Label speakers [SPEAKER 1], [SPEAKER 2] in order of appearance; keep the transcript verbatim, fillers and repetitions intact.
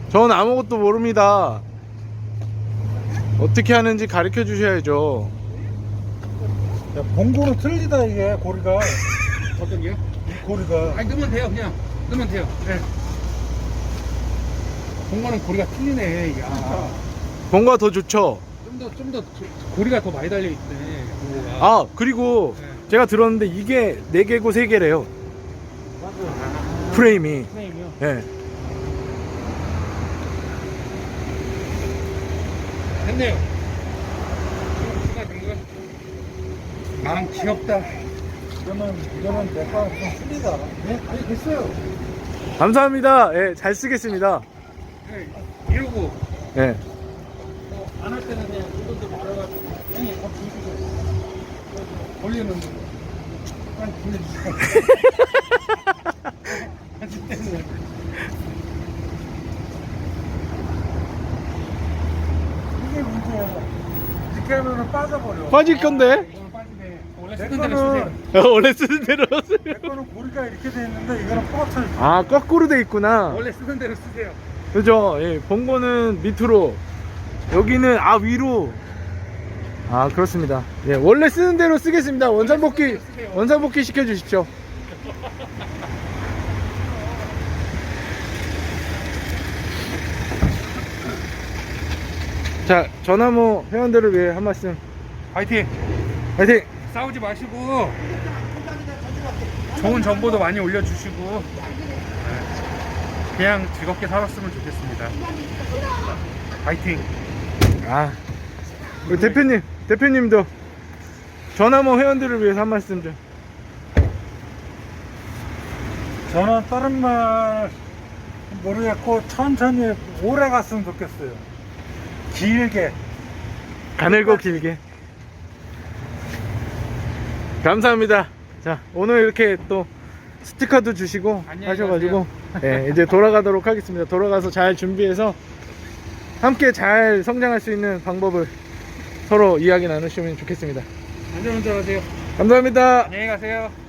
[SPEAKER 1] 전 아무것도 모릅니다. 어떻게 하는지 가르쳐 주셔야죠.
[SPEAKER 2] 야, 봉고는 틀리다 이게 고리가.
[SPEAKER 3] 어떤 게요?
[SPEAKER 2] 이 고리가.
[SPEAKER 3] 아니 넣으면 돼요. 그냥 넣으면 돼요. 네. 공간은 고리가 틀리네. 야.
[SPEAKER 1] 뭔가 더 좋죠.
[SPEAKER 3] 좀 더 좀 더 고리가 더 많이 달려 있네. 공고가.
[SPEAKER 1] 아 그리고
[SPEAKER 3] 네.
[SPEAKER 1] 제가 들었는데 이게 네 개고 세 개래요.
[SPEAKER 3] 아,
[SPEAKER 1] 프레임이.
[SPEAKER 3] 프레임이요.
[SPEAKER 1] 예.
[SPEAKER 3] 됐네요. 누가 된 거야? 아 귀엽다.
[SPEAKER 2] 이거는 이거는 내가 좀 틀리다.
[SPEAKER 3] 네? 아니 됐어요.
[SPEAKER 1] 감사합니다. 예, 잘 쓰겠습니다.
[SPEAKER 3] 네. 이러고
[SPEAKER 1] 예.
[SPEAKER 3] 안 할 때는 그냥 이것도 말아가지고 형님 밥 주시고 걸리는 한 보내주세요. 하실 때는
[SPEAKER 2] 이게 문제야. 이렇게 하면은 빠져버려.
[SPEAKER 1] 빠질 건데.
[SPEAKER 3] 이거는 빠지네. 원래
[SPEAKER 2] 내
[SPEAKER 3] 쓰던 대로
[SPEAKER 2] 거는
[SPEAKER 3] 쓰세요.
[SPEAKER 1] 원래 쓰는 대로 쓰세요.
[SPEAKER 2] 내 거는 고리가 이렇게 돼 있는데 이거는 뻗쳐.
[SPEAKER 1] 아 거꾸로 돼 있구나.
[SPEAKER 3] 원래 쓰던 대로 쓰세요.
[SPEAKER 1] 그죠? 예, 본거는 밑으로, 여기는 아 위로. 아 그렇습니다. 예, 원래 쓰는 대로 쓰겠습니다. 원상복귀 원상복귀 시켜 주십시오. 자, 전화모 회원들을 위해 한 말씀.
[SPEAKER 3] 파이팅!
[SPEAKER 1] 화이팅!
[SPEAKER 3] 싸우지 마시고 좋은 정보도 많이 올려주시고 네. 그냥 즐겁게 살았으면 좋겠습니다. 파이팅!
[SPEAKER 1] 아, 우리 대표님, 대표님도 전화모 회원들을 위해서 한 말씀 좀.
[SPEAKER 2] 저는 다른 말 모르겠고 천천히 오래 갔으면 좋겠어요. 길게.
[SPEAKER 1] 가늘고 길게. 감사합니다. 자, 오늘 이렇게 또 스티커도 주시고
[SPEAKER 3] 안녕히
[SPEAKER 1] 하셔가지고 예, 이제 돌아가도록 하겠습니다. 돌아가서 잘 준비해서 함께 잘 성장할 수 있는 방법을 서로 이야기 나누시면 좋겠습니다.
[SPEAKER 3] 안전운전하세요.
[SPEAKER 1] 감사합니다.
[SPEAKER 3] 안녕히 가세요.